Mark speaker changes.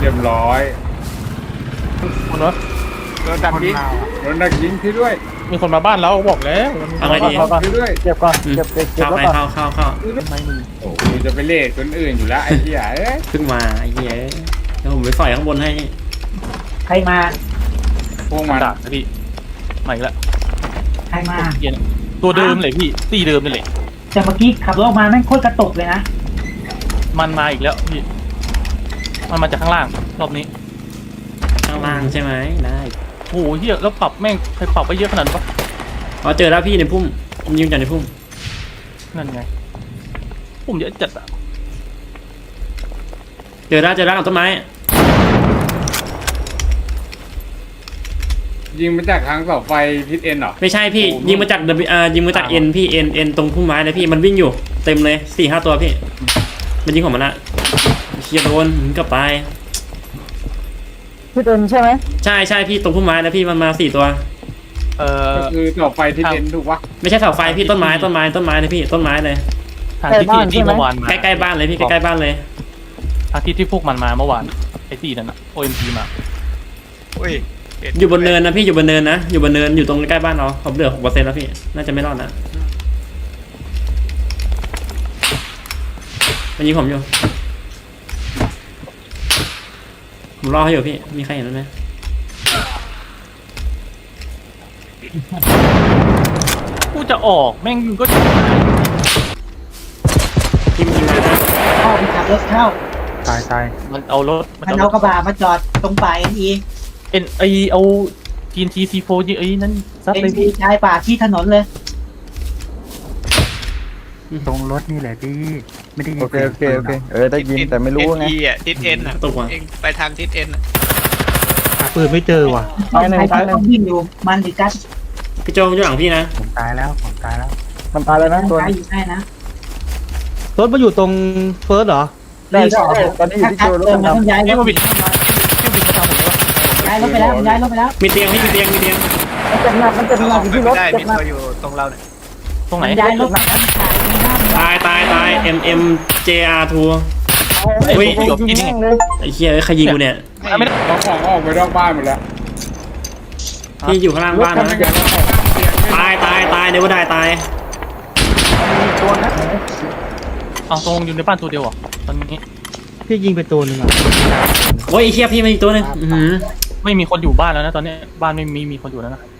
Speaker 1: รียบร้อย
Speaker 2: คนวะ
Speaker 1: โดนดักยิงโดนดักยิงที่ด้วย
Speaker 2: มีคนมาบ้านแล้วบอกแล้ว
Speaker 3: เอาไงดี
Speaker 1: ที่ด้วย
Speaker 4: เก็บก่อนเก็บ
Speaker 3: เข้า
Speaker 4: แล้ว
Speaker 3: ไป
Speaker 4: ก่อน
Speaker 3: เข้า
Speaker 2: ไม่มึง
Speaker 1: โอ้กูจะไปเล่คนอื่นอยู่แล้วไอ้เหี้ยเอ้ย
Speaker 3: เพิ่งมาไอ้เหี้ยแล้วผมไปสอยข้างบนให้
Speaker 5: ใครมา
Speaker 1: พวกมัน
Speaker 2: ด่าพี่มาอีกแล้ว
Speaker 5: ใครมา
Speaker 2: เย็นตัวเดิมเลยพี่ตีเดิมนี่แหละ
Speaker 5: แต่เมื่อกี้ขับรถออกมาแม่งโคตรกระตุกเลยนะ
Speaker 2: มันมาอีกแล้วพี่มันมาจากข้างล่างรอบนี้
Speaker 3: ข้างล่างใช่ไหมได้
Speaker 2: โอ้โหเฮียแล้วปรับแม่งใครปรับไปเยอะขนาดนั้นปะ
Speaker 3: อ๋อเจอแล้วพี่ในพุ่มผมยิงจากในพุ่ม
Speaker 2: นั่นไงผมเยอะจัดอะ
Speaker 3: เจอแล้วกับต้นไม้
Speaker 1: ยิงมาจากทางเสาไฟทิศเอ็นเหรอ
Speaker 3: ไม่ใช่พี่ยิงมาจากยิงมาจากเอ็นพี่เอ็นตรงพุ่มไม้เลยพี่มันวิ่งอยู่เต็มเลย4-5ตัวพี่มันยิงของมันละเชียร์โดนกลับไป
Speaker 4: พี่เต็มใช่ไหม
Speaker 3: ใช่พี่ตรงพุ่มไม้นะพี่มันมา4ตัว
Speaker 1: ก็คือเสาไฟทิศเอ็นถูกปะ
Speaker 3: ไม่ใช่เสาไฟพี่ต้นไม้เลยพี่ต้นไม้เลย
Speaker 2: ทางที่เมื่อวานมา
Speaker 3: ใกล้ๆบ้านเลยพี่ใกล้ๆบ้านเลย
Speaker 2: ทางที่พวกมันมาเมื่อวานไอ้ตีนั่นนะ OMP มา
Speaker 6: อุ้ย
Speaker 3: อยู่บนเนินนะพี่อยู่บนเนินนะอยู่บนเนินอยู่ตรงใกล้บ้านเราผมเหลือ6%แล้วพี่น่าจะไม่รอดนะมันยิงผมอยู่ผมรอให้อยู่พี่มีใครเห็นไหม
Speaker 2: กูจะออกแม่งก็
Speaker 3: ทีมยิงมานะ
Speaker 5: เข้าไปขับรถเข้า
Speaker 4: ตาย
Speaker 2: มันเอารถ
Speaker 5: มันเอากระบะมาจอดตรงป่าเอ็นอี
Speaker 2: ไอเอา TNT C4 ยิงไอ้นั่นซัด
Speaker 5: เอ็น
Speaker 2: เลย
Speaker 5: อี
Speaker 2: พี่
Speaker 5: ชายป่าที่ถนนเลย
Speaker 4: ตรงรถนี่แหละพี่ไม่ได้ยิน
Speaker 7: โอเคได้ยินแต่ไม่รู้ไง
Speaker 6: เอ็นอ่ะทิศเอ็นอ่ะ
Speaker 3: ตกว่ะ
Speaker 6: เองไปทางทิศเอ็นอ่ะ
Speaker 4: หาปืนไม่เจอว่ะ
Speaker 5: ใครต้องวิ่งอยู่มันดิกัส
Speaker 3: พี่โจอยู่หลังพี่นะ
Speaker 4: ผมตายแล้ว
Speaker 7: มันตายแล้วนะตัว
Speaker 5: ตายอยู่ใช่นะ
Speaker 4: รถมาอยู่ตรงเฟิร์สเหรอ
Speaker 7: ได้ตอนนี้อยู่ที่
Speaker 5: ถ้า
Speaker 7: โจรถ
Speaker 5: เติมมันต้องย้ายร
Speaker 2: นี่
Speaker 5: ถ
Speaker 2: มาบิดมาทำผมเลย
Speaker 5: ย้ายรถไปแล้วย้ายรถไปแล้ว
Speaker 3: มีเตียงพี่มีเตียง
Speaker 4: มันเจ็บหนักอยู่ที่รถ
Speaker 6: ได้
Speaker 4: เจ็
Speaker 6: มี
Speaker 4: บหนัก
Speaker 6: ตัวอยู่ตรงเราเนี่ย
Speaker 2: ตรงไหน
Speaker 5: มันย้ายรถมาแล้ว
Speaker 3: ตาย MMJR2
Speaker 2: ไอ้
Speaker 3: เฮ้ย
Speaker 2: พวกหยบกินไง
Speaker 3: ไอ้เหี้ยใครยิงกูเนี่ย
Speaker 2: ไม่ได้
Speaker 1: เราของออกไปนอกบ้านหมดแล้ว
Speaker 3: พี่อยู่ข้างล่างบ้าน
Speaker 1: ทำ
Speaker 3: นะ
Speaker 1: ยังไงเราออกเตียงให้
Speaker 3: ตายเดี๋ยวว่าได้ตาย
Speaker 2: เอาตรงอยู่ในบ้านตัวเดียวเหรอตอนนี้
Speaker 4: พี่ยิงไปตัวหนึ่งอ่ะ
Speaker 3: โอ้ยไอ้เหี้ยพี่มาอีกตัวหนึง
Speaker 2: ไม่มีคนอยู่บ้านแล้วนะตอนนี้บ้านไม่มีคนอยู่แล้วนะ